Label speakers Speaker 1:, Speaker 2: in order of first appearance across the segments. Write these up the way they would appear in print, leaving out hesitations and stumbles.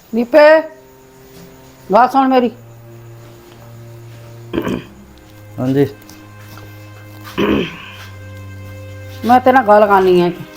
Speaker 1: दीपे बात सुन मेरी।
Speaker 2: हाँ जी।
Speaker 1: मैं तेरे नाल गल करनी है कि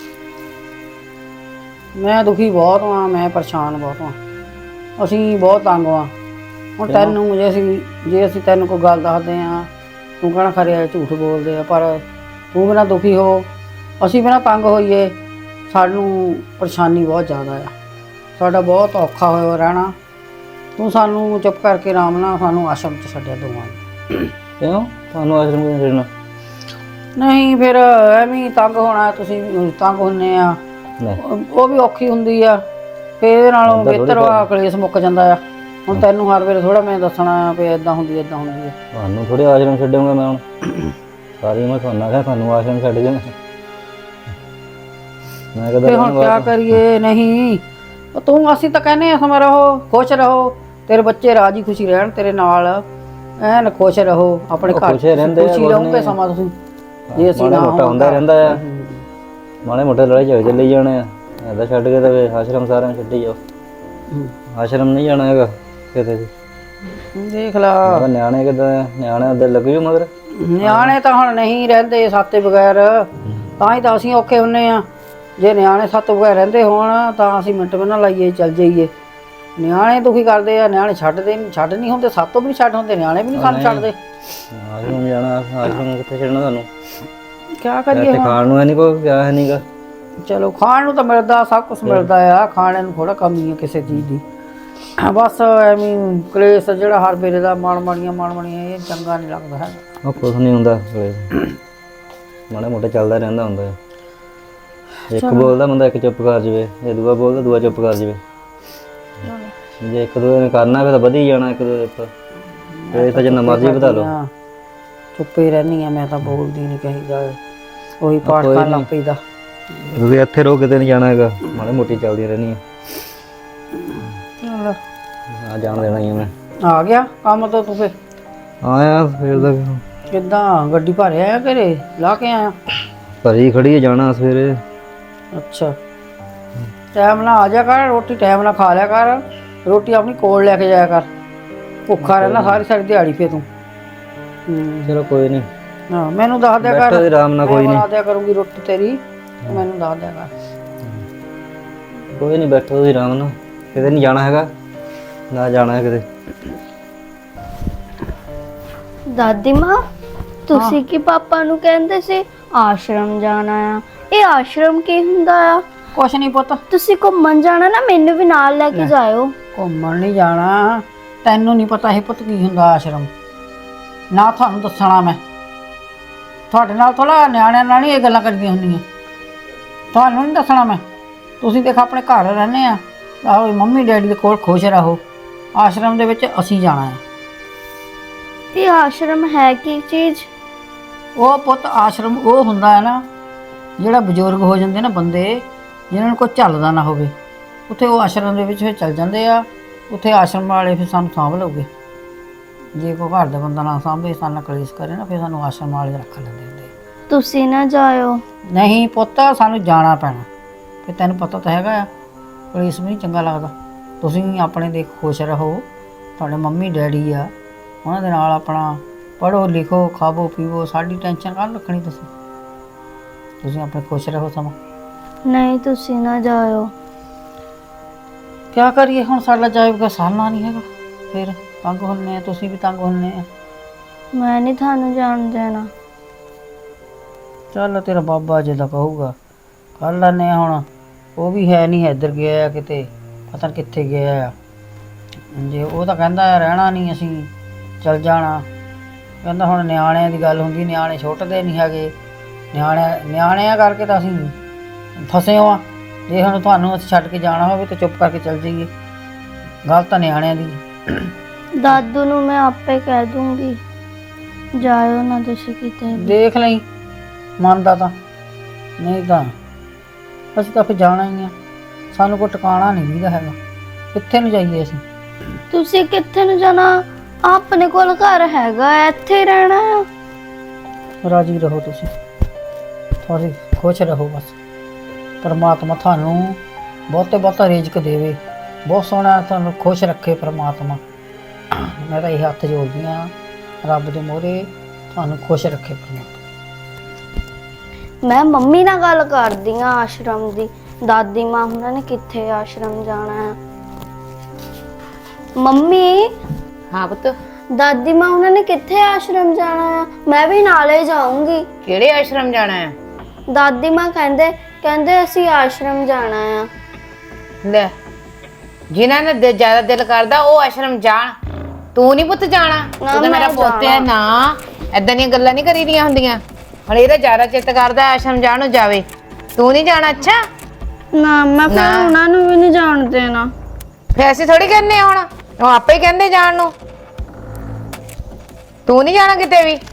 Speaker 1: मैं दुखी बहुत हाँ, मैं परेशान बहुत हाँ। असी बहुत तंग हाँ। ਹੁਣ ਤੈਨੂੰ ਜੇ ਅਸੀਂ ਤੈਨੂੰ ਕੋਈ ਗੱਲ ਦੱਸਦੇ ਹਾਂ ਤੂੰ ਕਹਿਣਾ ਖਰੇ ਝੂਠ ਬੋਲਦੇ ਆ, ਪਰ ਤੂੰ ਬਿਨਾਂ ਦੁਖੀ ਹੋ, ਅਸੀਂ ਬਿਨਾਂ ਤੰਗ ਹੋਈਏ, ਸਾਨੂੰ ਪਰੇਸ਼ਾਨੀ ਬਹੁਤ ਜ਼ਿਆਦਾ ਆ। ਸਾਡਾ ਬਹੁਤ ਔਖਾ ਹੋਇਆ ਰਹਿਣਾ। ਤੂੰ ਸਾਨੂੰ ਚੁੱਪ ਕਰਕੇ ਆਰਾਮ ਨਾਲ ਸਾਨੂੰ ਆਸ਼ਰਮ 'ਚ ਛੱਡਿਆ ਦੋਵਾਂ ਨੂੰ।
Speaker 2: ਕਿਉਂ ਤੁਹਾਨੂੰ ਆਸ਼ਰਮ ਕਿਉਂ ਛੱਡਣਾ?
Speaker 1: ਨਹੀਂ ਫਿਰ ਐਵੇਂ ਤੰਗ ਹੋਣਾ, ਤੁਸੀਂ ਤੰਗ ਹੁੰਦੇ ਆ, ਉਹ ਵੀ ਔਖੀ ਹੁੰਦੀ ਆ। ਫਿਰ ਇਹਦੇ ਨਾਲੋਂ ਬਿਹਤਰ ਆ ਕਲੇਸ਼ ਮੁੱਕ ਜਾਂਦਾ ਆ। ਹੁਣ ਤੈਨੂੰ ਹਰ ਵੇਲੇ ਥੋੜਾ ਮੈਂ ਦੱਸਣਾ ਵੀ ਇੱਦਾਂ ਹੁੰਦੀ ਇੱਦਾਂ ਹੁੰਦੀ ਹੈ।
Speaker 2: ਤੁਹਾਨੂੰ ਥੋੜੇ ਆਸ਼ਰਮ ਛੱਡੂੰਗਾ ਮੈਂ ਹੁਣ, ਸਾਰੀ ਉਮਰ ਤੁਹਾਨੂੰ ਆਖਿਆ ਤੁਹਾਨੂੰ ਆਸ਼ਰਮ ਛੱਡ ਜਾਣਾ। ਮੈਂ ਕਦੇ
Speaker 1: ਹੁਣ ਕਿਆ ਕਰੀਏ? ਨਹੀਂ ਤੂੰ ਅਸੀਂ ਤਾਂ ਕਹਿੰਦੇ ਆ ਸਮਾਂ ਰਹੋ, ਖੁਸ਼ ਰਹੋ, ਤੇਰੇ ਬੱਚੇ ਰਾਜੀ ਖੁਸ਼ੀ ਰਹਿਣ ਤੇਰੇ ਨਾਲ, ਐਨ ਖੁਸ਼ ਰਹੋ ਆਪਣੇ ਘਰ ਖੁਸ਼ੀ ਰਹੋਗੇ ਸਮਾਂ ਤੁਸੀਂ। ਜੇ ਅਸੀਂ
Speaker 2: ਮਾੜਾ ਮੋਟਾ ਹੁੰਦਾ ਰਹਿੰਦਾ ਆ, ਮਾੜੇ ਮੋਟੇ ਲੜਾਈ ਝਗੜੇ ਚੱਲੀ ਜਾਣੇ ਆ, ਇੱਦਾਂ ਛੱਡ ਕੇ ਤਾਂ ਆਸ਼ਰਮ ਸਾਰਿਆਂ ਨੂੰ ਛੱਡੀ ਜਾਓ। ਆਸ਼ਰਮ ਨਹੀਂ ਜਾਣਾ ਹੈਗਾ ਕਿਤੇ ਵੀ।
Speaker 1: ਦੇਖ ਲਾ
Speaker 2: ਨਿਆਣੇ ਕਿੱਦਾਂ, ਨਿਆਣੇ ਦੇ ਲੱਗ ਜੂ ਮਗਰ।
Speaker 1: ਨਿਆਣੇ ਤਾਂ ਹੁਣ ਨਹੀਂ ਰਹਿੰਦੇ ਸਾਤੇ ਬਗੈਰ, ਤਾਂ ਹੀ ਤਾਂ ਅਸੀਂ ਔਖੇ ਹੁੰਨੇ ਆ। ਜੇ ਨਿਆਣੇ ਸਾਤੋਂ ਬਗੈਰ ਰਹਿੰਦੇ ਹੋਣ ਤਾਂ ਅਸੀਂ ਮਿੰਟ ਵੀ ਨਾ ਲਾਈਏ ਚੱਲ ਜਾਈਏ। ਨਿਆਣੇ ਦੁਖੀ ਕਰਦੇ ਆ, ਨਿਆਣੇ ਛੱਡ ਨਹੀਂ ਹੁੰਦੇ, ਸਾਤੋਂ ਵੀ ਨਹੀਂ ਛੱਡ ਹੁੰਦੇ, ਨਿਆਣੇ ਵੀ ਨਹੀਂ ਸਾਨੂੰ ਛੱਡਦੇ।
Speaker 2: ਆਸ਼ਰਮ ਜਾਣਾ, ਆਸ਼ਰਮ ਕਿੱਥੇ ਛੱਡਣਾ ਤੁਹਾਨੂੰ?
Speaker 1: ਕਿਆ ਕਰੀਏ?
Speaker 2: ਖਾਣ ਨੂੰ ਹੈ ਨਹੀਂ ਕੋਈ, ਕਿਆ ਹੈ ਨਹੀਂ ਗਾ।
Speaker 1: ਚਲੋ ਖਾਣ ਨੂੰ ਤਾਂ ਮਿਲਦਾ, ਸਭ ਕੁਛ ਮਿਲਦਾ ਆ, ਖਾਣੇ ਨੂੰ ਥੋੜਾ ਕਮੀ ਆ ਕਿਸੇ ਚੀਜ਼ ਦੀ। ਬਸ ਐਵੇਂ ਕਲੇਸ਼ ਜਿਹੜਾ ਹਰ ਵੇਲੇ ਦਾ ਮਾਣਮਣੀਆਂ ਇਹ ਚੰਗਾ ਨਹੀਂ ਲੱਗਦਾ ਹੈਗਾ।
Speaker 2: ਉਹ ਕੁਛ ਨਹੀਂ ਹੁੰਦਾ, ਮਾੜਾ ਮੋਟਾ ਚੱਲਦਾ ਰਹਿੰਦਾ ਹੁੰਦਾ। ਇੱਕ ਬੋਲਦਾ ਬੰਦਾ ਇੱਕ ਚੁੱਪ ਕਰ ਜਾਵੇ, ਜੇ ਦੂਆ ਬੋਲਦਾ ਦੂਆ ਚੁੱਪ ਕਰ ਜਾਵੇ। ਜੇ ਇੱਕ ਦੂਏ ਨੇ ਕਰਨਾ ਫਿਰ ਤਾਂ ਵਧੀ ਜਾਣਾ ਇੱਕ ਦੂਏ ਉੱਪਰ, ਇਹ ਤਾਂ ਜਿੰਨਾ ਮਰਜ਼ੀ ਵਧਾ ਲਓ।
Speaker 1: ਚੁੱਪੇ ਰਹਿੰਦੀ ਆ ਮੈਂ ਤਾਂ, ਬੋਲਦੀ ਨਹੀਂ ਕਹੀਦਾ, ਉਹੀ ਪਾਠ ਕਰਨ ਲੱਗ ਪਈਦਾ।
Speaker 2: ਤੁਸੀਂ ਇੱਥੇ ਰੋ ਕਿਤੇ ਨਹੀਂ ਜਾਣਾ ਹੈਗਾ, ਮਾੜੀ ਮੋਟੀ ਚੱਲਦੀ ਰਹਿਣੀ ਆ। ਆ ਜਾਣ ਦੇਣਾ ਹੀ ਮੈਂ।
Speaker 1: ਆ ਗਿਆ ਕੰਮ ਤੋਂ ਤੂੰ? ਫਿਰ
Speaker 2: ਆਇਆ ਫਿਰ ਤਾਂ
Speaker 1: ਕਿੱਦਾਂ ਗੱਡੀ ਭਰ ਆਇਆ ਘਰੇ ਲਾ ਕੇ ਆਇਆ?
Speaker 2: ਭਰੀ ਖੜੀ ਜਾਣਾ ਸਵੇਰੇ।
Speaker 1: ਅੱਛਾ ਟਾਈਮ ਨਾਲ ਆ ਜਾ ਕਰ, ਰੋਟੀ ਟਾਈਮ ਨਾਲ ਖਾ ਲਿਆ ਕਰ, ਰੋਟੀ ਆਪਣੀ ਕੋਲ ਲੈ ਕੇ ਜਾਇਆ ਕਰ, ਭੁੱਖਾ ਰਹਿਣਾ ਸਾਰੀ ਦਿਹਾੜੀ। ਫੇ ਤੂੰ
Speaker 2: ਚਲੋ ਕੋਈ ਨਹੀਂ,
Speaker 1: ਹਾਂ ਮੈਨੂੰ ਦੱਸ ਦਿਆ ਕਰ
Speaker 2: ਆਰਾਮ ਨਾਲ, ਕੋਈ ਨਹੀਂ
Speaker 1: ਬਣਾ ਦਿਆ ਕਰੂੰਗੀ ਰੋਟੀ ਤੇਰੀ, ਮੈਨੂੰ ਦੱਸ ਦਿਆ ਕਰ।
Speaker 2: ਕੋਈ ਨਹੀਂ ਬੈਠੋ ਤੁਸੀਂ ਆਰਾਮ ਨਾਲ, ਕਿਤੇ ਨਹੀਂ ਜਾਣਾ ਹੈਗਾ, ਨਾ ਜਾਣਾ ਹੈ ਕਿਤੇ।
Speaker 3: ਦਾਦੀ ਮਾਂ ਤੁਸੀਂ ਕੀ ਪਾਪਾ ਨੂੰ ਕਹਿੰਦੇ ਸੀ ਆਸ਼ਰਮ ਜਾਣਾ ਆ? ਇਹ ਆਸ਼ਰਮ ਕੀ ਹੁੰਦਾ ਆ?
Speaker 1: ਕੁਛ ਨਹੀਂ ਪੁੱਤ।
Speaker 3: ਤੁਸੀਂ ਘੁੰਮਣ ਜਾਣਾ ਨਾ, ਮੈਨੂੰ ਵੀ ਨਾਲ ਲੈ ਕੇ ਜਾਇਓ।
Speaker 1: ਘੁੰਮਣ ਨਹੀਂ ਜਾਣਾ, ਤੈਨੂੰ ਨਹੀਂ ਪਤਾ ਇਹ ਪੁੱਤ ਕੀ ਹੁੰਦਾ ਆਸ਼ਰਮ, ਨਾ ਤੁਹਾਨੂੰ ਦੱਸਣਾ ਮੈਂ। ਤੁਹਾਡੇ ਨਾਲ ਥੋੜਾ ਨਿਆਣਿਆਂ ਨਾਲ ਨਹੀਂ ਇਹ ਗੱਲਾਂ ਕਰਦੀਆਂ ਹੁੰਦੀਆਂ, ਤੁਹਾਨੂੰ ਨਹੀਂ ਦੱਸਣਾ ਮੈਂ। ਤੁਸੀਂ ਦੇਖ ਆਪਣੇ ਘਰ ਰਹਿੰਦੇ ਆ, ਆਹੋ ਮੰਮੀ ਡੈਡੀ ਦੇ ਕੋਲ ਖੁਸ਼ ਰਹੋ। ਆਸ਼ਰਮ ਦੇ ਵਿੱਚ ਅਸੀਂ ਜਾਣਾ ਹੈ।
Speaker 3: ਇਹ ਆਸ਼ਰਮ ਹੈ ਕੀ ਚੀਜ਼?
Speaker 1: ਉਹ ਪੁੱਤ ਆਸ਼ਰਮ ਉਹ ਹੁੰਦਾ ਹੈ ਨਾ, ਜਿਹੜਾ ਬਜ਼ੁਰਗ ਹੋ ਜਾਂਦੇ ਨਾ ਬੰਦੇ, ਜਿਹਨਾਂ ਨੂੰ ਕੋਈ ਝੱਲਦਾ ਨਾ ਹੋਵੇ, ਉੱਥੇ ਉਹ ਆਸ਼ਰਮ ਦੇ ਵਿੱਚ ਫਿਰ ਚੱਲ ਜਾਂਦੇ ਆ। ਉੱਥੇ ਆਸ਼ਰਮ ਵਾਲੇ ਫਿਰ ਸਾਨੂੰ ਸਾਂਭ ਲਓਗੇ। ਜੇ ਕੋਈ ਘਰ ਦਾ ਬੰਦਾ ਨਾ ਸਾਂਭੇ, ਸਾਨੂੰ ਕਲੇਸ਼ ਕਰੇ ਨਾ, ਫਿਰ ਸਾਨੂੰ ਆਸ਼ਰਮ ਵਾਲੇ ਰੱਖ ਲੈਂਦੇ ਹੁੰਦੇ।
Speaker 3: ਤੁਸੀਂ ਨਾ ਜਾਇਓ।
Speaker 1: ਨਹੀਂ ਪੁੱਤ ਸਾਨੂੰ ਜਾਣਾ ਪੈਣਾ, ਫਿਰ ਤੈਨੂੰ ਪਤਾ ਤਾਂ ਹੈਗਾ ਆ ਕਲੇਸ਼ ਵੀ ਨਹੀਂ ਚੰਗਾ ਲੱਗਦਾ। ਤੁਸੀਂ ਆਪਣੇ ਦੇ ਖੁਸ਼ ਰਹੋ, ਤੁਹਾਡੇ ਮੰਮੀ ਡੈਡੀ ਆ, ਉਹਨਾਂ ਦੇ ਨਾਲ ਆਪਣਾ ਪੜ੍ਹੋ ਲਿਖੋ ਖਾਵੋ ਪੀਵੋ, ਸਾਡੀ ਟੈਨਸ਼ਨ ਕਾਹਨੂੰ ਰੱਖਣੀ? ਤੁਸੀਂ ਆਪਣੇ ਖੁਸ਼ ਰਹੋ ਸਮਾਂ।
Speaker 3: ਨਹੀਂ ਤੁਸੀਂ ਨਾ ਜਾਇਓ।
Speaker 1: ਕਿਆ ਕਰੀਏ ਹੁਣ, ਸਾਡਾ ਜਾਇਬ ਸਾਲਣਾ ਨਹੀਂ ਹੈਗਾ, ਫਿਰ ਤੰਗ ਹੁੰਦੇ ਆ, ਤੁਸੀਂ ਵੀ ਤੰਗ ਹੁੰਦੇ ਆ।
Speaker 3: ਮੈਂ ਨਹੀਂ ਤੁਹਾਨੂੰ ਜਾਣ ਦੇਣਾ।
Speaker 1: ਚੱਲ ਤੇਰਾ ਬਾਬਾ ਜੇ ਦਾ ਕਹੂਗਾ ਕਰ ਲੈਂਦੇ ਆ। ਹੁਣ ਉਹ ਵੀ ਹੈ ਨਹੀਂ, ਇੱਧਰ ਗਿਆ ਕਿਤੇ, ਪਤਾ ਨਹੀਂ ਕਿੱਥੇ ਗਿਆ ਆ। ਜੇ ਉਹ ਤਾਂ ਕਹਿੰਦਾ ਰਹਿਣਾ ਨਹੀਂ, ਅਸੀਂ ਚੱਲ ਜਾਣਾ। ਕਹਿੰਦਾ ਹੁਣ ਨਿਆਣਿਆਂ ਦੀ ਗੱਲ ਹੁੰਦੀ, ਨਿਆਣੇ ਛੁੱਟਦੇ ਨਹੀਂ ਹੈਗੇ, ਨਿਆਣਿਆਂ ਕਰਕੇ ਤਾਂ ਅਸੀਂ ਫਸੇ ਹਾਂ। ਜੇ ਹੁਣ ਤੁਹਾਨੂੰ ਅਸੀਂ ਛੱਡ ਕੇ ਜਾਣਾ ਹੋਵੇ ਤਾਂ ਚੁੱਪ ਕਰਕੇ ਚੱਲ ਜਾਈਏ, ਗੱਲ ਤਾਂ ਨਿਆਣਿਆਂ ਦੀ।
Speaker 3: ਦਾਦੂ ਨੂੰ ਮੈਂ ਆਪੇ ਕਹਿ ਦੂੰਗੀ, ਜਾਇਓ ਨਾ ਤੁਸੀਂ ਕਿਤੇ।
Speaker 1: ਦੇਖ ਲਈ ਮੰਨਦਾ ਤਾਂ, ਨਹੀਂ ਤਾਂ ਅਸੀਂ ਤਾਂ ਫਿਰ ਜਾਣਾ ਹੀ ਆ। ਸਾਨੂੰ ਕੋਈ ਟਿਕਾਣਾ ਨਹੀਂ ਦਿੰਦਾ ਹੈਗਾ, ਕਿੱਥੇ ਨੂੰ ਜਾਈਏ ਅਸੀਂ?
Speaker 3: ਤੁਸੀਂ ਕਿੱਥੇ ਨੂੰ ਜਾਣਾ? ਆਪਣੇ ਕੋਲ ਘਰ ਹੈਗਾ, ਇੱਥੇ ਹੀ ਰਹਿਣਾ ਆ।
Speaker 1: ਰਾਜੀ ਰਹੋ ਤੁਸੀਂ, ਥੋੜੀ ਖੁਸ਼ ਰਹੋ ਬਸ। ਪਰਮਾਤਮਾ ਤੁਹਾਨੂੰ ਬਹੁਤਾ ਰਿਜ਼ਕ ਦੇਵੇ, ਬਹੁਤ ਸੋਹਣਾ, ਤੁਹਾਨੂੰ ਖੁਸ਼ ਰੱਖੇ ਪ੍ਰਮਾਤਮਾ। ਮੈਂ ਤਾਂ ਇਹ ਹੱਥ ਜੋੜਦੀ ਹਾਂ ਰੱਬ ਦੇ ਮੂਹਰੇ, ਤੁਹਾਨੂੰ ਖੁਸ਼ ਰੱਖੇ ਪ੍ਰਮਾਤਮਾ।
Speaker 3: ਮੈਂ ਮੰਮੀ ਨਾਲ ਗੱਲ ਕਰਦੀ ਆ ਆਸ਼ਰਮ ਦੀ। ਦਾਦੀ ਮਾਂ ਉਹਨਾਂ ਨੇ ਕਿੱਥੇ ਆਸ਼ਰਮ ਜਾਣਾ ਹੈ? ਮੰਮੀ,
Speaker 4: ਹਾਂ ਪੁੱਤ,
Speaker 3: ਦਾਦੀ ਮਾਂ ਉਹਨਾਂ ਨੇ ਕਿੱਥੇ ਆਸ਼ਰਮ ਜਾਣਾ ਹੈ? ਮੈਂ ਵੀ ਨਾਲੇ ਜਾਊਂਗੀ।
Speaker 4: ਕਿਹੜੇ ਆਸ਼ਰਮ ਜਾਣਾ ਹੈ?
Speaker 3: ਦਾਦੀ ਮਾਂ ਕਹਿੰਦੇ ਅਸੀਂ ਆਸ਼ਰਮ ਜਾਣਾ ਆ।
Speaker 4: ਲੈ, ਜਿਨ੍ਹਾਂ ਨੇ ਜ਼ਿਆਦਾ ਦਿਲ ਕਰਦਾ ਉਹ ਆਸ਼ਰਮ ਜਾਣ, ਤੂੰ ਨਹੀਂ ਪੁੱਤ ਜਾਣਾ। ਤੂੰ ਤਾਂ ਮੇਰਾ ਪੁੱਤ ਹੈ ਨਾ, ਐਦਾਂ ਦੀਆਂ ਗੱਲਾਂ ਨਹੀਂ ਕਰੀਦੀਆਂ ਹੁੰਦੀਆਂ। ਹੁਣ ਇਹਦਾ ਜ਼ਿਆਦਾ ਚਿੱਤ ਕਰਦਾ ਆਸ਼ਰਮ ਜਾਣ ਨੂੰ, ਜਾਵੇ। ਤੂੰ ਨਹੀਂ ਜਾਣਾ? ਅੱਛਾ
Speaker 3: ਨਾ, ਮੈਂ ਫਿਰ ਉਹਨਾਂ ਨੂੰ ਵੀ ਨਹੀਂ ਜਾਣ ਦੇਣਾ।
Speaker 4: ਫਿਰ ਅਸੀਂ ਥੋੜੀ ਕਹਿੰਦੇ ਹੁਣ, ਉਹ ਆਪੇ ਹੀ ਕਹਿੰਦੇ ਜਾਣ ਨੂੰ। ਤੂੰ ਨਹੀਂ ਜਾਣਾ ਕਿਤੇ ਵੀ।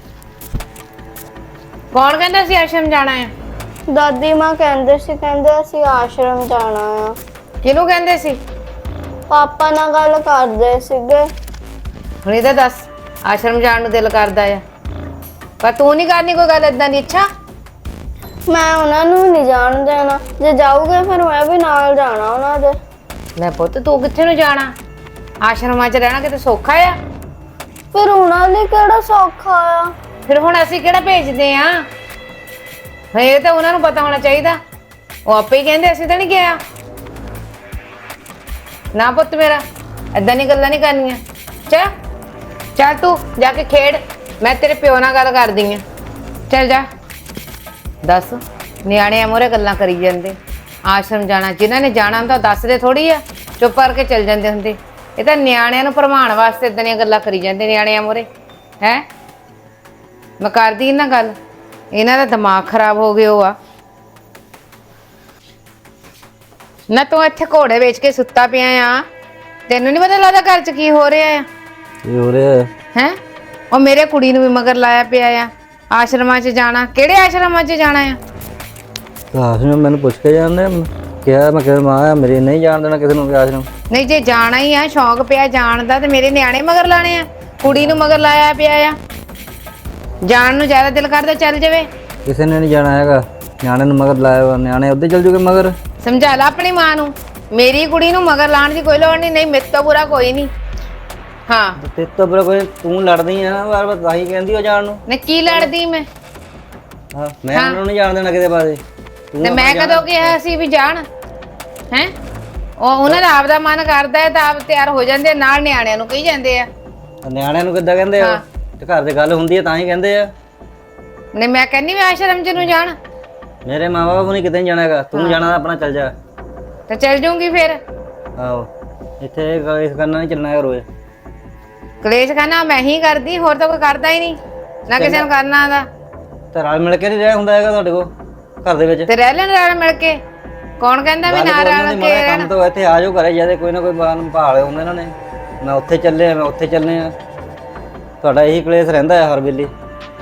Speaker 4: ਕੌਣ ਕਹਿੰਦਾ ਸੀ ਆਸ਼ਰਮ ਜਾਣਾ ਹੈ?
Speaker 3: ਦਾਦੀ ਮਾਂ ਕਹਿੰਦੇ ਅਸੀਂ ਆਸ਼ਰਮ ਜਾਣਾ ਆ।
Speaker 4: ਕਿਹਨੂੰ ਕਹਿੰਦੇ ਸੀ?
Speaker 3: ਪਾਪਾ ਨਾਲ ਗੱਲ ਕਰਦੇ ਸੀਗੇ।
Speaker 4: ਹੁਣ ਇਹਦਾ ਦੱਸ, ਆਸ਼ਰਮ ਜਾਣ ਨੂੰ ਦਿਲ ਕਰਦਾ ਆ, ਪਰ ਤੂੰ ਨਹੀਂ ਕਰਨੀ ਕੋਈ ਗੱਲ ਏਦਾਂ ਦੀ। ਅੱਛਾ,
Speaker 3: ਮੈਂ ਉਹਨਾਂ ਨੂੰ ਨਹੀਂ ਜਾਣ ਦੇਣਾ। ਜੇ ਜਾਊਗੇ ਫਿਰ ਮੈਂ ਵੀ ਨਾਲ ਜਾਣਾ ਉਹਨਾਂ ਦੇ।
Speaker 4: ਲੈ ਪੁੱਤ, ਤੂੰ ਕਿੱਥੇ ਨੂੰ ਜਾਣਾ? ਆਸ਼ਰਮਾਂ 'ਚ ਰਹਿਣਾ ਕਿਤੇ ਸੌਖਾ ਆ?
Speaker 3: ਫਿਰ ਉਹਨਾਂ ਲਈ ਕਿਹੜਾ ਸੌਖਾ ਆ?
Speaker 4: ਫਿਰ ਹੁਣ ਅਸੀਂ ਕਿਹੜਾ ਭੇਜਦੇ ਆ? ਇਹ ਤਾਂ ਉਹਨਾਂ ਨੂੰ ਪਤਾ ਹੋਣਾ ਚਾਹੀਦਾ। ਉਹ ਆਪੇ ਹੀ ਕਹਿੰਦੇ, ਅਸੀਂ ਤਾਂ ਨਹੀਂ ਕਿਹਾ। ਨਾ ਪੁੱਤ ਮੇਰਾ, ਏਦਾਂ ਦੀਆਂ ਗੱਲਾਂ ਨਹੀਂ ਕਰਨੀਆਂ। ਚੱਲ ਤੂੰ ਜਾ ਕੇ ਖੇਡ, ਮੈਂ ਤੇਰੇ ਪਿਓ ਨਾਲ ਗੱਲ ਕਰਦੀ ਆ। ਚੱਲ ਜਾ। ਦੱਸ, ਨਿਆਣਿਆਂ ਮੂਹਰੇ ਗੱਲਾਂ ਕਰੀ ਜਾਂਦੇ। ਆਸ਼ਰਮ ਜਾਣਾ, ਜਿਨ੍ਹਾਂ ਨੇ ਜਾਣਾ ਹੁੰਦਾ ਦੱਸਦੇ ਥੋੜੀ ਆ, ਚੁੱਪ ਕਰਕੇ ਚੱਲ ਜਾਂਦੇ ਹੁੰਦੇ। ਇਹ ਤਾਂ ਨਿਆਣਿਆਂ ਨੂੰ ਭਰਮਾਉਣ ਵਾਸਤੇ ਏਦਾਂ ਦੀਆਂ ਗੱਲਾਂ ਕਰੀ ਜਾਂਦੇ ਨਿਆਣਿਆਂ ਮੂਹਰੇ। ਹੈ, ਮੈਂ ਕਰਦੀ ਇਹਨਾਂ ਗੱਲ, ਇਹਨਾਂ ਦਾ ਦਿਮਾਗ ਖਰਾਬ ਹੋ ਗਿਆ ਆ। ਨਾ ਤੂੰ ਇੱਥੇ ਘੋੜੇ ਵੇਚ ਕੇ ਸੁੱਤਾ ਪਿਆ ਆ, ਤੈਨੂੰ ਨਹੀਂ ਪਤਾ ਲੱਗਦਾ ਘਰ 'ਚ ਕੀ ਹੋ ਰਿਹਾ ਆ?
Speaker 2: ਕੀ ਹੋ ਰਿਹਾ
Speaker 4: ਹੈ? ਉਹ ਮੇਰੇ ਕੁੜੀ ਨੂੰ ਵੀ ਮਗਰ ਲਾਇਆ ਪਿਆ ਆ, ਆਸ਼ਰਮਾਂ 'ਚ ਜਾਣਾ। ਕਿਹੜੇ ਆਸ਼ਰਮਾਂ 'ਚ ਜਾਣਾ ਆ?
Speaker 2: ਆਸ਼ਰਮ ਮੈਨੂੰ ਪੁੱਛ ਕੇ ਜਾਂਦੇ, ਕਿਹਾ ਮੈਂ ਕਿਹਾ ਮਾਂ ਮੇਰੇ ਨਹੀਂ ਜਾਣ ਦੇਣਾ ਕਿਸੇ ਨੂੰ ਵੀ ਆਸ਼ਰਮ।
Speaker 4: ਨਹੀਂ, ਜੇ ਜਾਣਾ ਹੀ ਆ, ਸ਼ੌਂਕ ਪਿਆ ਜਾਣ ਦਾ, ਤੇ ਮੇਰੇ ਨਿਆਣੇ ਮਗਰ ਲਾਣੇ ਆ? ਕੁੜੀ ਨੂੰ ਮਗਰ ਲਾਇਆ ਪਿਆ ਆ, ਜਾਣ ਨੂੰ ਜ਼ਿਆਦਾ ਦਿਲ ਕਰਦਾ ਚੱਲ ਜਾਵੇ।
Speaker 2: ਕਿਸੇ ਨੇ ਨਹੀਂ ਜਾਣਾ ਹੈਗਾ, ਨਿਆਣੇ ਨੂੰ ਮਗਰ ਲਾਇਆ ਵਾ, ਨਿਆਣੇ ਉੱਧਰ ਚੱਲ ਜੂਗੇ ਮਗਰ।
Speaker 4: ਸਮਝਾ ਲਾ ਆਪਣੀ ਮਾਂ ਨੂੰ, ਮੇਰੀ ਕੁੜੀ ਨੂੰ ਮਗਰ ਲਾਉਣ ਦੀ ਕੋਈ ਲੋੜ ਨਹੀਂ। ਨਹੀਂ, ਮੇਰੇ ਤੋਂ ਬੁਰਾ ਕੋਈ ਨਹੀਂ। ਹਾਂ,
Speaker 2: ਤੇ ਤੋਂ ਬੜਾ ਕੋਈ ਤੂੰ ਲੜਦੀ ਆ ਵਾਰ ਵਾਰ, ਤਾਂ ਹੀ ਕਹਿੰਦੀ ਉਹ ਜਾਣ ਨੂੰ।
Speaker 4: ਨਹੀਂ, ਕੀ ਲੜਦੀ ਮੈਂ?
Speaker 2: ਹਾਂ, ਮੈਂ ਉਹਨਾਂ ਨੂੰ ਨਹੀਂ ਜਾਣ ਦੇਣਾ ਕਿਤੇ ਪਾਸੇ।
Speaker 4: ਤੇ ਮੈਂ ਕਦੋਂ ਕਿਹਾ ਸੀ ਵੀ ਜਾਣ? ਹੈ, ਉਹਨਾਂ ਦਾ ਆਪਦਾ ਮਨ ਕਰਦਾ ਹੈ ਤਾਂ ਆਪ ਤਿਆਰ ਹੋ ਜਾਂਦੇ, ਨਾਲ ਨਿਆਣਿਆਂ ਨੂੰ ਕਹੀ ਜਾਂਦੇ ਆ।
Speaker 2: ਨਿਆਣਿਆਂ ਨੂੰ ਕਿੱਦਾਂ ਕਹਿੰਦੇ ਆ? ਤੇ ਘਰ ਦੇ ਗੱਲ ਹੁੰਦੀ ਹੈ ਤਾਂ ਹੀ ਕਹਿੰਦੇ ਆ।
Speaker 4: ਨਹੀਂ, ਮੈਂ ਕਹਿੰਦੀ ਮੈਂ ਆਸ਼ਰਮ 'ਚ ਨੂੰ ਜਾਣ।
Speaker 2: ਮੇਰੇ ਮਾਂ-ਬਾਪ ਨੂੰ ਕਿਤੇ ਨਹੀਂ ਜਾਣਾ ਹੈਗਾ, ਤੂੰ ਜਾਣਾ ਤਾਂ ਆਪਣਾ ਚੱਲ ਜਾ।
Speaker 4: ਤੇ ਚੱਲ ਜੂੰਗੀ ਫਿਰ।
Speaker 2: ਆਹੋ, ਇੱਥੇ ਇਸ ਕਰਨਾ ਨਹੀਂ ਚੱਲਣਾ ਹੈ ਰੋਜ਼।
Speaker 4: ਕਲੇਸ਼ ਕਰਨਾ ਮੈਂ ਹੀ ਕਰਦੀ, ਹੋਰ ਤਾਂ ਕੋਈ ਕਰਦਾ ਹੀ ਨਹੀਂ, ਨਾ ਕਿਸੇ ਨੂੰ ਕਰਨਾ ਆਉਂਦਾ।
Speaker 2: ਤੇ ਰਲ ਮਿਲ ਕੇ ਨਹੀਂ ਰਹਿ ਹੁੰਦਾ ਹੈਗਾ ਤੁਹਾਡੇ ਕੋਲ ਘਰ ਦੇ ਵਿੱਚ?
Speaker 4: ਤੇ ਰਹਿ ਲੈਣ ਰਲ ਮਿਲ ਕੇ। ਕੌਣ ਕਹਿੰਦਾ ਵੀ ਨਾ ਰਲ ਕੇ
Speaker 2: ਕੰਮ
Speaker 4: ਰਹਿਣ?
Speaker 2: ਤੋਂ ਇੱਥੇ ਆ ਜਾਓ ਘਰੇ, ਜਦੇ ਕੋਈ ਨਾ ਕੋਈ ਬਾਨ ਭਾਲ ਹੁੰਦੇ ਇਹਨਾਂ ਨੇ, ਮੈਂ ਉੱਥੇ ਚੱਲੇ ਮੈਂ ਉੱਥੇ ਚੱਲੇ ਆ। ਤੁਹਾਡਾ ਇਹੀ ਕਲੇਸ਼ ਰਹਿੰਦਾ ਹੈ ਹਰ ਵੇਲੇ।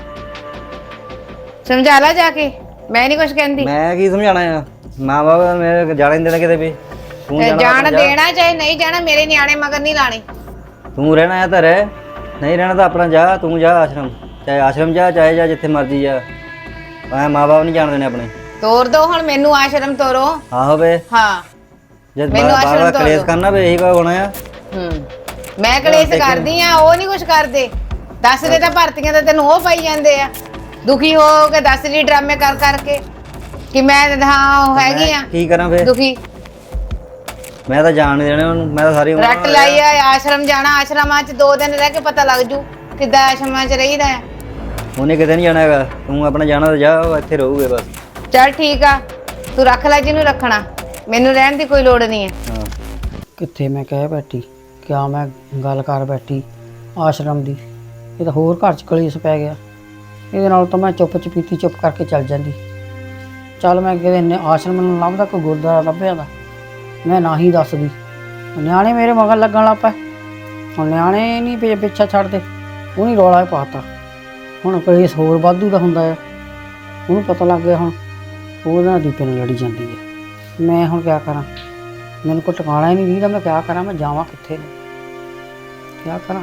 Speaker 4: ਸਮਝਾ ਲਾ ਜਾ ਕੇ, ਮੈਂ ਨਹੀਂ ਕੁਝ ਕਹਿੰਦੀ।
Speaker 2: ਮੈਂ ਕੀ ਸਮਝਾਣਾ ਆ? ਮਾਂ ਬਾਪ ਮੇਰੇ ਜਾਣ ਨਹੀਂ ਦੇਣਾ ਕਿਤੇ ਵੀ। ਤੂੰ
Speaker 4: ਜਾਣ ਦੇਣਾ ਚਾਹੇ ਨਹੀਂ ਜਾਣਾ, ਮੇਰੇ ਨਿਆਣੇ ਮਗਰ ਨਹੀਂ ਲਾਣੇ।
Speaker 2: ਤੂੰ ਰਹਿਣਾ ਆ ਤਾਂ ਰਹਿ, ਨਹੀਂ ਰਹਿਣਾ ਤਾਂ ਆਪਣਾ ਜਾ। ਤੂੰ ਜਾ ਆਸ਼ਰਮ, ਚਾਹੇ ਆਸ਼ਰਮ ਜਾ ਚਾਹੇ ਜਾ ਜਿੱਥੇ ਮਰਜੀ ਜਾ। ਮੈਂ ਮਾਂ ਬਾਪ ਨਹੀਂ ਜਾਣ ਦੇਣੇ ਆਪਣੇ।
Speaker 4: ਤੋਰ ਦੋ ਹੁਣ ਮੈਨੂੰ, ਆਸ਼ਰਮ ਤੋਰੋ।
Speaker 2: ਆਹੋ ਵੇ,
Speaker 4: ਹਾਂ,
Speaker 2: ਜਦ
Speaker 4: ਮੈਨੂੰ ਆਸ਼ਰਮ
Speaker 2: ਬਾਰ
Speaker 4: ਤੋਰ
Speaker 2: ਕਲੇਸ਼
Speaker 4: ਦਿਓ।
Speaker 2: ਕਰਨਾ ਵੇ ਇਹੀ ਕਾ ਹੋਣਾ ਆ।
Speaker 4: ਮੈਂ ਕਲੇਸ਼ ਕਰਦੀ ਆ, ਉਹ ਨਹੀਂ ਕੁਝ ਕਰਦੇ। ਦੱਸਦੇ ਤਾਂ ਭਰਤੀਆਂ ਤਾਂ ਤੈਨੂੰ ਉਹ ਪਾਈ ਜਾਂਦੇ ਆ, ਦੁਖੀ ਹੋ ਕੇ ਦੱਸ ਲਈ ਡਰਾਮੇ ਕਰ ਕਰਕੇ ਕਿ ਮੈਂ ਹਾਂ ਉਹ ਹੈਗੀ ਆ
Speaker 2: ਕੀ ਕਰਾਂ ਫੇਰ?
Speaker 4: ਦੁਖੀ।
Speaker 2: ਮੈਂ ਤਾਂ ਜਾਣ ਨਹੀਂ ਦੇਣਾ ਉਹਨੂੰ, ਮੈਂ ਤਾਂ ਸਾਰੀ
Speaker 4: ਰੱਟ ਲਾਈ ਆ ਆਸ਼ਰਮ ਜਾਣਾ। ਆਸ਼ਰਮਾਂ 'ਚ 2 ਦਿਨ ਰਹਿ ਕੇ ਪਤਾ ਲੱਗ ਜੂ ਕਿੱਦਾਂ ਆਸ਼ਰਮਾਂ 'ਚ ਰਹੀਦਾ ਹੈ।
Speaker 2: ਉਹਨੇ ਕਿਤੇ ਨਹੀਂ ਜਾਣਾ ਹੈਗਾ, ਤੂੰ ਆਪਣਾ ਜਾਣਾ ਤਾਂ ਜਾ, ਉਹ ਇੱਥੇ ਰਹੂਗੇ ਬਸ।
Speaker 4: ਚੱਲ ਠੀਕ ਆ, ਤੂੰ ਰੱਖ ਲੈ ਜਿਹਨੂੰ ਰੱਖਣਾ, ਮੈਨੂੰ ਰਹਿਣ ਦੀ ਕੋਈ ਲੋੜ ਨਹੀਂ ਹੈ।
Speaker 2: ਹਾਂ,
Speaker 1: ਕਿੱਥੇ ਮੈਂ ਕਹਿ ਬੈਠੀ, ਕਿਆ ਮੈਂ ਗੱਲ ਕਰ ਬੈਠੀ ਆਸ਼ਰਮ ਦੀ। ਇਹ ਤਾਂ ਹੋਰ ਘਰ 'ਚ ਕਲੇਸ਼ ਪੈ ਗਿਆ। ਇਹਦੇ ਨਾਲ ਤਾਂ ਮੈਂ ਚੁੱਪ ਚਪੀਤੀ ਚੁੱਪ ਕਰਕੇ ਚੱਲ ਜਾਂਦੀ। ਚੱਲ ਮੈਂ ਕਿਤੇ ਆਸ਼ਰਮ ਨੂੰ ਲੱਭਦਾ, ਕੋਈ ਗੁਰਦੁਆਰਾ ਲੱਭਿਆ ਦਾ, ਮੈਂ ਨਾ ਹੀ ਦੱਸਦੀ। ਨਿਆਣੇ ਮੇਰੇ ਮਗਰ ਲੱਗਣ ਲੱਗ ਪਏ। ਹੁਣ ਨਿਆਣੇ ਨਹੀਂ ਪਿੱਛਾ ਛੱਡਦੇ, ਉਹ ਨਹੀਂ ਰੌਲਾ ਪਾਤਾ। ਹੁਣ ਕਲੇਸ਼ ਹੋਰ ਵਾਧੂ ਦਾ ਹੁੰਦਾ ਆ, ਉਹਨੂੰ ਪਤਾ ਲੱਗ ਗਿਆ। ਹੁਣ ਉਹਦੇ ਨਾਲ ਦੀਪੇ ਨਾਲ ਲੜੀ ਜਾਂਦੀ ਹੈ। ਮੈਂ ਹੁਣ ਕਿਆ ਕਰਾਂ? ਮੈਨੂੰ ਕੋਈ ਟਿਕਾਣਾ ਹੀ ਨਹੀਂ ਦੀਦਾ, ਮੈਂ ਕਿਆ ਕਰਾਂ? ਮੈਂ ਜਾਵਾਂ ਕਿੱਥੇ ਨੂੰ, ਕਿਆ ਕਰਾਂ?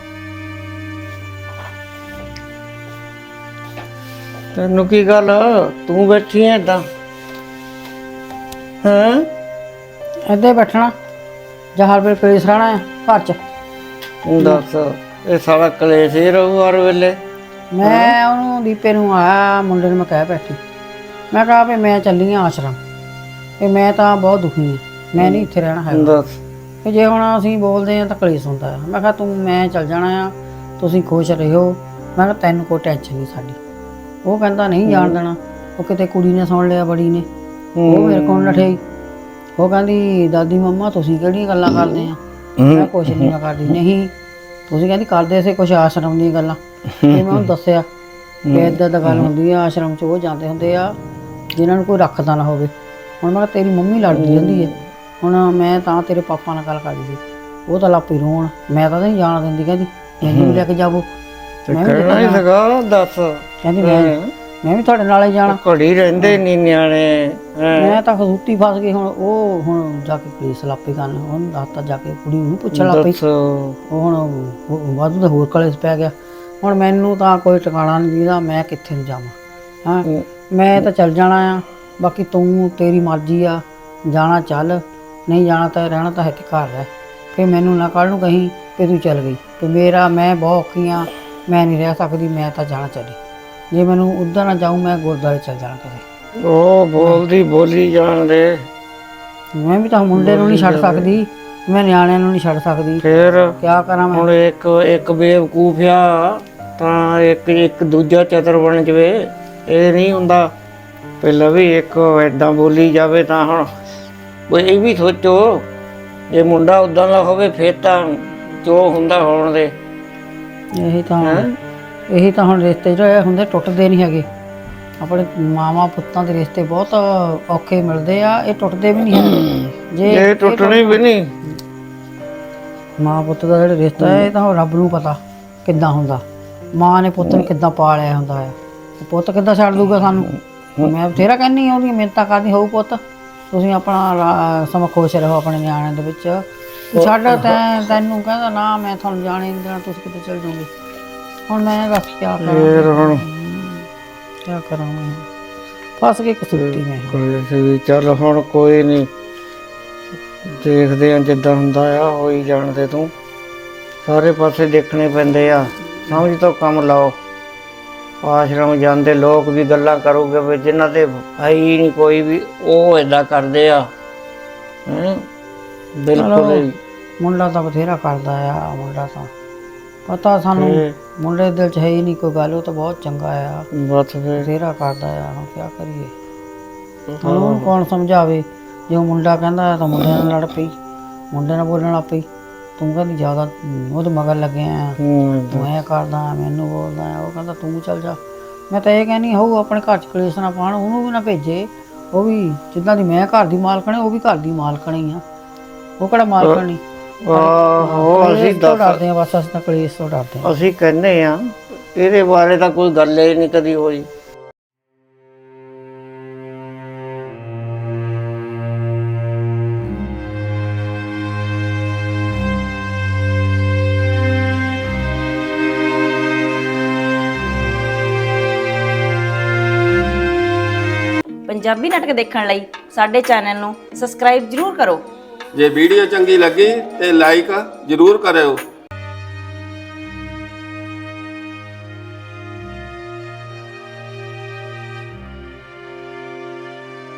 Speaker 5: ਤੈਨੂੰ ਕੀ ਗੱਲ, ਤੂੰ ਬੈਠੀ ਐ ਏਦਾਂ? ਹਾਂ,
Speaker 1: ਏਦਾਂ ਹੀ ਬੈਠਣਾ। ਜਾਂ ਹਰ ਵੇਲੇ ਕਲੇਸ਼ ਰਹਿਣਾ ਆ ਘਰ 'ਚ।
Speaker 5: ਤੂੰ ਦੱਸ ਇਹ ਸਾਰਾ ਕਲੇਸ਼ ਹੀ ਰਹੂ ਹਰ ਵੇਲੇ।
Speaker 1: ਮੈਂ ਉਹਨੂੰ ਦੀਪੇ ਨੂੰ ਆਇਆ ਮੁੰਡੇ ਨੂੰ ਮੈਂ ਕਹਿ ਬੈਠੀ, ਮੈਂ ਕਿਹਾ ਵੀ ਮੈਂ ਚੱਲੀ ਆ ਆਸ਼ਰਮ, ਤੇ ਮੈਂ ਤਾਂ ਬਹੁਤ ਦੁਖੀ ਹਾਂ, ਮੈਂ ਨਹੀਂ ਇੱਥੇ ਰਹਿਣਾ ਹੈਗਾ।
Speaker 5: ਦੱਸ
Speaker 1: ਕਿ ਜੇ ਹੁਣ ਅਸੀਂ ਬੋਲਦੇ ਹਾਂ ਤਾਂ ਕਲੇਸ਼ ਹੁੰਦਾ ਆ। ਮੈਂ ਕਿਹਾ ਮੈਂ ਚੱਲ ਜਾਣਾ ਆ, ਤੁਸੀਂ ਖੁਸ਼ ਰਹੋ। ਮੈਂ ਕਿਹਾ ਤੈਨੂੰ ਕੋਈ ਟੈਨਸ਼ਨ ਨਹੀਂ ਸਾਡੀ। ਉਹ ਕਹਿੰਦਾ ਨਹੀਂ ਜਾਣ ਦੇਣਾ, ਉਹ ਕਿਤੇ ਕੁੜੀ ਨੇ ਸੁਣ ਲਿਆ, ਬੜੀ ਨੇ, ਉਹ ਮੇਰੇ ਕੋਲ ਨਠੇ। ਉਹ ਕਹਿੰਦੀ ਦਾਦੀ ਮੰਮਾ ਤੁਸੀਂ ਕਿਹੜੀਆਂ ਗੱਲਾਂ ਕਰਦੇ ਆ? ਮੈਂ ਕੁਛ ਨਹੀਂ ਮੈਂ ਕਰਦੀ। ਨਹੀਂ ਤੁਸੀਂ ਕਹਿੰਦੀ ਕਰਦੇ ਸੀ ਕੁਛ ਆਸ਼ਰਮ ਦੀਆਂ ਗੱਲਾਂ। ਤੇ ਮੈਂ ਉਹਨੂੰ ਦੱਸਿਆ ਕਿ ਇੱਦਾਂ ਦਾ ਗੱਲ ਹੁੰਦੀ ਆ, ਆਸ਼ਰਮ 'ਚ ਉਹ ਜਾਂਦੇ ਹੁੰਦੇ ਆ ਜਿਨ੍ਹਾਂ ਨੂੰ ਕੋਈ ਰੱਖਦਾ ਨਾ ਹੋਵੇ। ਹੁਣ ਮੈਂ ਕਿਹਾ ਤੇਰੀ ਮੰਮੀ ਲੜਦੀ ਰਹਿੰਦੀ ਹੈ, ਹੁਣ ਮੈਂ ਤਾਂ ਤੇਰੇ ਪਾਪਾ ਨਾਲ ਗੱਲ ਕਰਦੀ ਸੀ, ਉਹ ਤਾਂ ਲਾਪੀ ਰੋਣ, ਮੈਂ ਤਾਂ ਨਹੀਂ ਜਾਣ ਦਿੰਦੀ। ਕਹਿੰਦੀ ਮੈਨੂੰ ਵੀ ਲੈ ਕੇ ਜਾਵੋ। ਮੈਂ ਵੀ
Speaker 5: ਕਹਿਣਾ ਹੀ ਲਗਾ। ਦੱਸ
Speaker 1: ਕਹਿੰਦੀ ਮੈਂ ਵੀ ਤੁਹਾਡੇ ਨਾਲ ਹੀ ਜਾਣਾ।
Speaker 5: ਘੜੀ ਰਹਿੰਦੇ ਨਹੀਂ ਨਿਆਣੇ।
Speaker 1: ਮੈਂ ਤਾਂ ਖਸੂਤੀ ਫਸ ਗਈ। ਹੁਣ ਜਾ ਕੇ ਪੁਲਿਸ ਲਾਪੀ ਕਰਨ, ਉਹਨੂੰ ਦੱਸਤਾ ਜਾ ਕੇ, ਕੁੜੀ ਨੂੰ ਪੁੱਛਣ ਲੱਗ ਪਈ। ਉਹ ਹੁਣ ਵਾਧੂ ਦਾ ਹੋਰ ਕਲੇਸ਼ ਪੈ ਗਿਆ। ਹੁਣ ਮੈਨੂੰ ਤਾਂ ਕੋਈ ਟਿਕਾਣਾ ਨਹੀਂ ਦੀਦਾ, ਮੈਂ ਕਿੱਥੇ ਨੂੰ ਜਾਵਾਂ। ਹਾਂ ਮੈਂ ਤਾਂ ਚੱਲ ਜਾਣਾ ਆ, ਬਾਕੀ ਤੂੰ ਤੇਰੀ ਮਰਜ਼ੀ ਆ, ਜਾਣਾ ਚੱਲ, ਨਹੀਂ ਜਾਣਾ ਤਾਂ ਰਹਿਣਾ ਤਾਂ ਹੈ ਕਿ ਘਰ ਰਹਿ। ਫਿਰ ਮੈਨੂੰ ਨਾ ਕੱਲ੍ਹ ਨੂੰ ਕਹੀਂ ਕਿ ਤੂੰ ਚੱਲ ਗਈ, ਕਿ ਮੈਂ ਬਹੁਤ ਔਖੀ ਹਾਂ, ਮੈਂ ਨਹੀਂ ਰਹਿ ਸਕਦੀ, ਮੈਂ ਤਾਂ ਜਾਣਾ ਚੱਲੀ। ਜੇ ਮੈਨੂੰ ਉੱਧਰ ਨਾ ਜਾਊਂ ਮੈਂ ਗੁਰਦੁਆਰੇ ਚੱਲ ਜਾਣਾ ਕਿਤੇ।
Speaker 5: ਉਹ ਬੋਲਦੀ ਬੋਲੀ ਜਾਣ ਦੇ।
Speaker 1: ਮੈਂ ਵੀ ਤਾਂ ਮੁੰਡੇ ਨੂੰ ਨਹੀਂ ਛੱਡ ਸਕਦੀ, ਮੈਂ ਨਿਆਣਿਆਂ ਨੂੰ ਨਹੀਂ ਛੱਡ ਸਕਦੀ।
Speaker 5: ਫਿਰ
Speaker 1: ਕਿਆ ਕਰਾਂ ਮੈਂ?
Speaker 5: ਹੁਣ ਇੱਕ ਬੇਵਕੂਫ ਆ ਤਾਂ ਇੱਕ ਦੂਜਾ ਚਤਰ ਬਣ ਜਵੇ, ਇਹ ਨਹੀਂ ਹੁੰਦਾ। ਪਹਿਲਾਂ ਵੀ ਇੱਕ ਏਦਾਂ ਬੋਲੀ ਜਾਵੇ ਤਾਂ ਹੁਣ ਕੋਈ ਇਹ ਵੀ ਸੋਚੋ, ਜੇ ਮੁੰਡਾ ਉਦਾਂ ਦਾ ਹੋਵੇ ਫਿਰ ਤਾਂ ਜੋ ਹੁੰਦਾ ਹੋਣ ਦੇ।
Speaker 1: ਇਹੀ ਤਾਂ ਹੁਣ ਰਿਸ਼ਤੇ ਜਿਹੜੇ ਹੁੰਦੇ ਟੁੱਟਦੇ ਨਹੀਂ ਹੈਗੇ। ਆਪਣੇ ਮਾਵਾਂ ਪੁੱਤਾਂ ਦੇ ਰਿਸ਼ਤੇ ਬਹੁਤ ਔਖੇ ਮਿਲਦੇ ਆ, ਇਹ ਟੁੱਟਦੇ ਵੀ ਨਹੀਂ ਹੈਗੇ। ਜੇ
Speaker 5: ਇਹ ਟੁੱਟਣੀ ਵੀ ਨਹੀਂ।
Speaker 1: ਮਾਂ ਪੁੱਤ ਦਾ ਜਿਹੜਾ ਰਿਸ਼ਤਾ ਹੈ, ਇਹ ਤਾਂ ਰੱਬ ਨੂੰ ਪਤਾ ਕਿੱਦਾਂ ਹੁੰਦਾ। ਮਾਂ ਨੇ ਪੁੱਤ ਨੂੰ ਕਿੱਦਾਂ ਪਾਲਿਆ ਹੁੰਦਾ ਹੈ, ਪੁੱਤ ਕਿੱਦਾਂ ਛੱਡ ਦੂਗਾ ਸਾਨੂੰ। ਮੈਂ ਬਥੇਰਾ ਕਹਿੰਦੀ ਹਾਂ, ਉਹਦੀਆਂ ਮਿਹਨਤਾਂ ਕਰਦੀ ਹੋਊ, ਪੁੱਤ ਤੁਸੀਂ ਆਪਣਾ ਸਮਾਂ ਖੁਸ਼ ਰਹੋ ਆਪਣੇ ਨਿਆਣਿਆਂ ਦੇ ਵਿੱਚ। ਛੱਡ ਤੈਨੂੰ ਕਹਿੰਦਾ ਨਾ ਮੈਂ ਤੁਹਾਨੂੰ ਜਾਣੇ ਨਹੀਂ ਦੇਣਾ, ਤੁਸੀਂ ਕਿਤੇ ਚਲ ਜਾਓਗੇ। ਹੁਣ ਮੈਂ ਦੱਸ ਕਿਆ ਕਰਾਂ? ਕਿਆ ਕਰਾਂ ਮੈਂ? ਫਸ ਕੇ ਕਸੂਤੀ ਮੈਂ।
Speaker 5: ਚੱਲ ਹੁਣ ਕੋਈ ਨਹੀਂ, ਦੇਖਦੇ ਆ ਜਿੱਦਾਂ ਹੁੰਦਾ ਆ, ਹੋਈ ਜਾਣਦੇ। ਤੂੰ ਸਾਰੇ ਪਾਸੇ ਦੇਖਣੇ ਪੈਂਦੇ ਆ, ਸਮਝ ਤੋਂ ਕੰਮ ਲਾਓ। ਆਸ਼ਰਮ ਜਾਂਦੇ ਲੋਕ ਵੀ ਗੱਲਾਂ ਕਰੋਗੇ ਵੀ ਜਿਨ੍ਹਾਂ ਦੇ ਭਾਈ ਨਹੀਂ ਕੋਈ ਵੀ, ਉਹ ਏਦਾਂ ਕਰਦੇ ਆ। ਬਿਲਕੁਲ
Speaker 1: ਮੁੰਡਾ ਤਾਂ ਬਥੇਰਾ ਕਰਦਾ ਆ, ਮੁੰਡਾ ਤਾਂ ਪਤਾ ਸਾਨੂੰ, ਮੁੰਡੇ ਦੇ ਦਿਲ 'ਚ ਹੈ ਹੀ ਨਹੀਂ ਕੋਈ ਗੱਲ। ਉਹ ਤਾਂ ਬਹੁਤ ਚੰਗਾ ਆ,
Speaker 5: ਬਸ ਫਿਰ
Speaker 1: ਬਥੇਰਾ ਕਰਦਾ ਆ। ਹੁਣ ਕਿਆ ਕਰੀਏ? ਹੁਣ ਉਹਨੂੰ ਕੌਣ ਸਮਝਾਵੇ? ਜੇ ਉਹ ਮੁੰਡਾ ਕਹਿੰਦਾ ਤਾਂ ਮੁੰਡੇ ਨਾਲ ਲੜ ਪਈ, ਮੁੰਡੇ ਨਾਲ ਬੋਲਣ ਲੱਗ ਪਈ। ਤੂੰ ਕਹਿੰਦੀ ਜ਼ਿਆਦਾ ਉਹਦੇ ਮਗਰ ਲੱਗਿਆ ਆ, ਤੂੰ ਐਂ ਕਰਦਾ, ਮੈਨੂੰ ਬੋਲਦਾ ਆ। ਉਹ ਕਹਿੰਦਾ ਤੂੰ ਚੱਲ ਜਾ। ਮੈਂ ਤਾਂ ਇਹ ਕਹਿੰਦੀ ਹੋਊ ਆਪਣੇ ਘਰ 'ਚ ਕਲੇਸ਼ ਨਾ ਪਾਉਣ, ਉਹਨੂੰ ਵੀ ਨਾ ਭੇਜੇ। ਉਹ ਵੀ ਜਿੱਦਾਂ ਦੀ ਮੈਂ ਘਰ ਦੀ ਮਾਲਕਣ, ਉਹ ਵੀ ਘਰ ਦੀ ਮਾਲਕਣ ਹੀ ਆ। ਉਹ ਕਿਹੜਾ ਮਾਲਕਣ ਨਹੀਂ। ਅਸੀਂ ਡਰਦੇ ਹਾਂ, ਬਸ ਅਸੀਂ ਤਾਂ ਕਲੇਸ਼ ਤੋਂ ਡਰਦੇ ਹਾਂ।
Speaker 5: ਅਸੀਂ ਕਹਿੰਦੇ ਆ, ਇਹਦੇ ਬਾਰੇ ਤਾਂ ਕੋਈ ਗੱਲ ਹੀ ਨਹੀਂ ਕਦੀ ਹੋਈ।
Speaker 6: ਪੰਜਾਬੀ ਨਾਟਕ ਦੇਖਣ ਲਈ ਸਾਡੇ ਚੈਨਲ ਨੂੰ ਸਬਸਕ੍ਰਾਈਬ ਜ਼ਰੂਰ ਕਰੋ।
Speaker 7: ਜੇ ਵੀਡੀਓ ਚੰਗੀ ਲੱਗੀ ਤੇ ਲਾਈਕ ਜ਼ਰੂਰ ਕਰਿਓ।